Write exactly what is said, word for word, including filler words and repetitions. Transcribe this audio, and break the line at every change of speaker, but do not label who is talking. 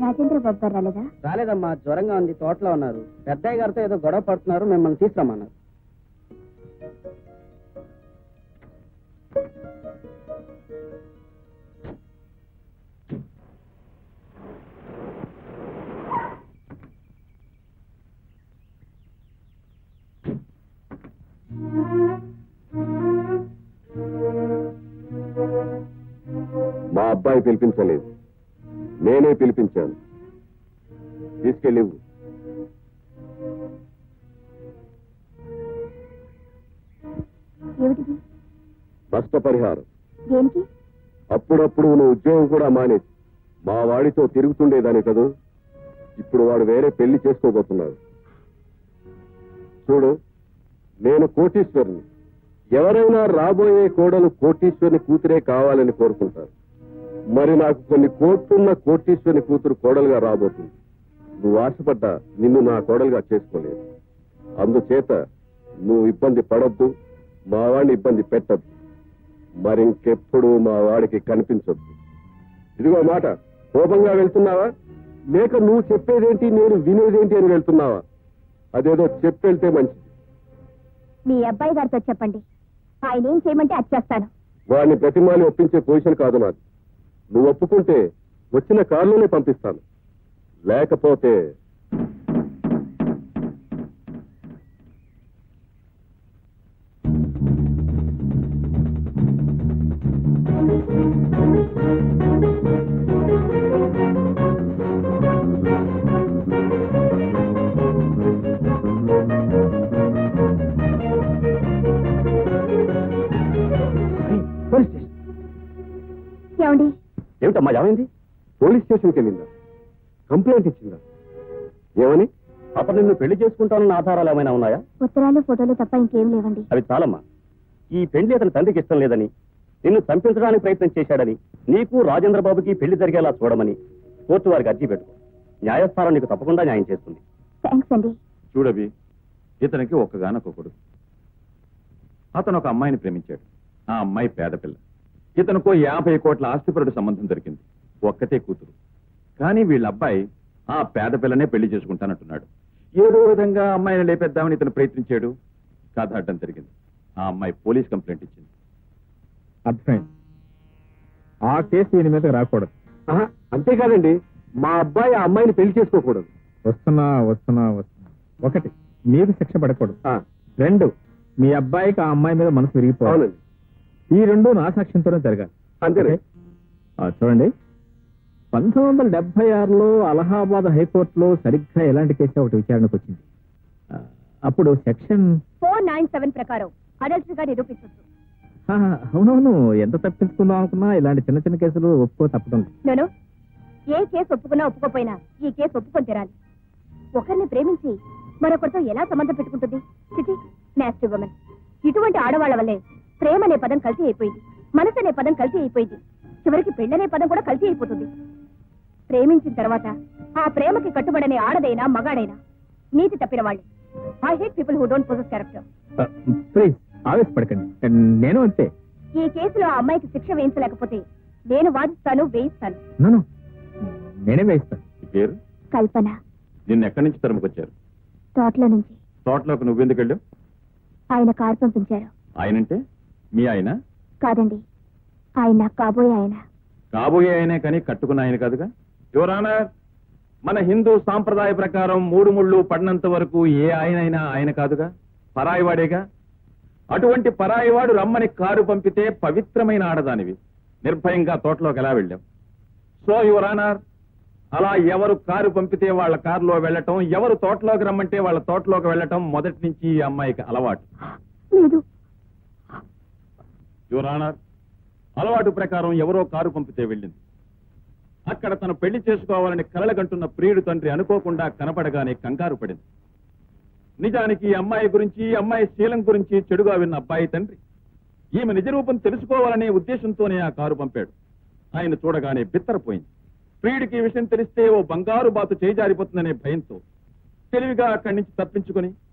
రాజేంద్ర బాబు గారు రాలేదా?
రాలేదమ్మా, జ్వరంగా ఉంది, తోటలో ఉన్నారు. పెద్దయ్య గారితో ఏదో గొడవ పడుతున్నారు, మిమ్మల్ని తీసుకురమ్మన్నారు.
మా అబ్బాయి పిలిపించలేదు, నేనే పిలిపించాను. తీసుకెళ్ళి
ఏమిటిది?
నష్టపరిహారం.
దేనికి?
అప్పుడప్పుడు నువ్వు ఉద్యోగం కూడా మానేసి మా వాడితో తిరుగుతుండేదాని కదూ. ఇప్పుడు వాడు వేరే పెళ్లి చేసుకోబోతున్నాడు. చూడు, నేను కోటీశ్వరుని. ఎవరైనా రాబోయే కోడలు కోటీశ్వరుని కూతురే కావాలని కోరుకుంటారు. మరి నాకు కొన్ని కోట్లున్న కోటీశ్వరుని కూతురు కోడలుగా రాబోతుంది. నువ్వు ఆశపడ్డా నిన్ను నా కోడలుగా చేసుకోలేదు. అందుచేత నువ్వు ఇబ్బంది పడొద్దు, మా వాడిని ఇబ్బంది పెట్టద్దు. మరింకెప్పుడు మా వాడికి కనిపించొద్దు. ఇదిగో మాట, కోపంగా వెళ్తున్నావా లేక నువ్వు చెప్పేదేంటి నేను వినేదేంటి అని వెళ్తున్నావా? అదేదో చెప్పెళ్తే మంచిది.
మీ అబ్బాయి గారితో చెప్పండి, ఆయన ఏం చేయమంటే అది చేస్తాను.
వాడిని ప్రతిమాని ఒప్పించే పొజిషన్ కాదు నాది. నువ్వు ఒప్పుకుంటే వచ్చిన కారులోనే పంపిస్తాను, లేకపోతే
ఏమండి?
ఏమిటమ్మా, ఏమైంది? పోలీస్ స్టేషన్కి వెళ్ళిందా? కంప్లైంట్ ఇచ్చిందా? ఏమని?
అప్పుడు నిన్ను పెళ్లి చేసుకుంటానన్న ఆధారాలు ఏమైనా ఉన్నాయా?
ఉత్తరాలు ఫోటోలు తప్ప ఇంకేం లేవండి.
అవి చాలమ్మా. ఈ పెళ్లి అతని తండ్రికి ఇష్టం లేదని, నిన్ను చంపించడానికి ప్రయత్నం చేశాడని, నీకు రాజేంద్ర బాబుకి పెళ్లి జరిగేలా చూడమని కోర్టు వారికి అర్జీ పెట్టుకో. న్యాయస్థానం నీకు తప్పకుండా న్యాయం చేస్తుంది.
థ్యాంక్స్ అండి.
చూడవి, ఇతనికి ఒక్కగానొక్క కొడుకు. అతను ఒక అమ్మాయిని ప్రేమించాడు. ఆ అమ్మాయి పేద పిల్ల. ఇతనుకో యాభై కోట్ల ఆస్తిపరుడు సంబంధం దొరికింది. ఒక్కతే కూతురు. కానీ వీళ్ళ అబ్బాయి ఆ పేద పిల్లనే పెళ్లి చేసుకుంటానంటున్నాడు. ఏదో విధంగా అమ్మాయిని లేపేద్దామని ఇతను ప్రయత్నించాడు. కథ అడ్డం జరిగింది. ఆ అమ్మాయి పోలీస్ కంప్లైంట్ ఇచ్చింది.
అర్థమైంది. ఆ కేసు దీని మీద రాకూడదు.
అంతేకాదండి, మా అబ్బాయి ఆ అమ్మాయిని పెళ్లి చేసుకోకూడదు.
వస్తున్నా వస్తున్నా వస్తున్నా. ఒకటి, మీకు శిక్ష పడకూడదు. రెండు, మీ అబ్బాయికి ఆ అమ్మాయి మీద మనసు విరిగిపోవాలి. ఈ రెండు నా సాక్ష్యంతోనే జరగాలి.
అంతేనే.
చూడండి, పంతొమ్మిది వందల డెబ్బై ఆరులో అలహాబాద్ హైకోర్టులో సరిగ్గా ఎలాంటి కేసు ఒకటి విచారణకు వచ్చింది. అప్పుడు సెక్షన్
ఫోర్ నైన్ సెవెన్ ప్రకారం అడల్ట్ గా నిరూపించవచ్చు.
అవునవును, ఎంత తప్పించుకుందాం అనుకున్నా ఇలాంటి చిన్న చిన్న కేసులు ఒప్పుకో తప్పడం.
నేను ఏ కేసు ఒప్పుకున్నా ఒప్పుకోపోయినా ఈ కేసు ఒప్పుకొని తీరాలి. ఒకరిని ప్రేమించి మరొకరితో ఎలా సంబంధం పెట్టుకుంటుంది? చిటి నాస్టీ ఉమెన్. ఇటువంటి ఆడవాళ్ల వల్లే ప్రేమ అనే పదం కల్తీ అయిపోయింది, మనసు అనే పదం కల్తీ అయిపోయింది, చివరికి పెళ్ళనే పదం కూడా కల్తీ అయిపోతుంది. ప్రేమించిన తర్వాత ఆ ప్రేమకి కట్టుబడనే ఆడదైనా మగాడైనా నీతి తప్పిన వాళ్ళే. I hate people who don't possess character.
Please ఆవేశపడకండి, నేను అంతే.
ఈ కేసులో ఆ అమ్మాయికి శిక్ష వేయించలేకపోతే నేను వాదిస్తాను, వేయిస్తాను.
నన్ను నేనే వేయిస్తాను.
పేరు
కల్పన.
నిన్ను ఎక్కడి నుంచి తరుముకొచ్చారు?
తోటలో నుంచి.
తోటలోకి నువ్వెందుకు వెళ్ళావు?
ఆయన కారు పంపించారు.
ఆయనంటే మీ ఆయన?
కాదండి, ఆయన కాబోయే ఆయన.
కాబోయే ఆయనే కానీ కట్టుకున్న ఆయన కాదుగా. యువర్ ఆనర్, మన హిందూ సాంప్రదాయ ప్రకారం మూడు ముళ్ళు పడినంత వరకు ఏ ఆయనైనా ఆయన కాదుగా, పరాయివాడేగా. అటువంటి పరాయివాడు రమ్మని కారు పంపితే పవిత్రమైన ఆడదానివి నిర్భయంగా తోటలోకి ఎలా వెళ్ళాం? సో యువర్ ఆనర్, అలా ఎవరు కారు పంపితే వాళ్ళ కారులో వెళ్ళటం, ఎవరు తోటలోకి రమ్మంటే వాళ్ళ తోటలోకి వెళ్ళటం మొదటి నుంచి ఈ అమ్మాయికి అలవాటు.
లేదు.
యువర్ ఆనర్, అలవాటు ప్రకారం ఎవరో కారు పంపితే వెళ్ళింది. అక్కడ తను పెళ్లి చేసుకోవాలని కలలగంటున్న ప్రియుడు తండ్రి అనుకోకుండా కనపడగానే కంగారు పడింది. నిజానికి ఈ అమ్మాయి గురించి, ఈ అమ్మాయి శీలం గురించి చెడుగా విన్న అబ్బాయి తండ్రి ఈమె నిజరూపం తెలుసుకోవాలనే ఉద్దేశంతోనే ఆ కారు పంపాడు. ఆయన చూడగానే బిత్తరపోయింది. ప్రియుడికి ఈ విషయం తెలిస్తే ఓ బంగారు బాతు చేజారిపోతుందనే భయంతో తెలివిగా అక్కడి నుంచి తప్పించుకుని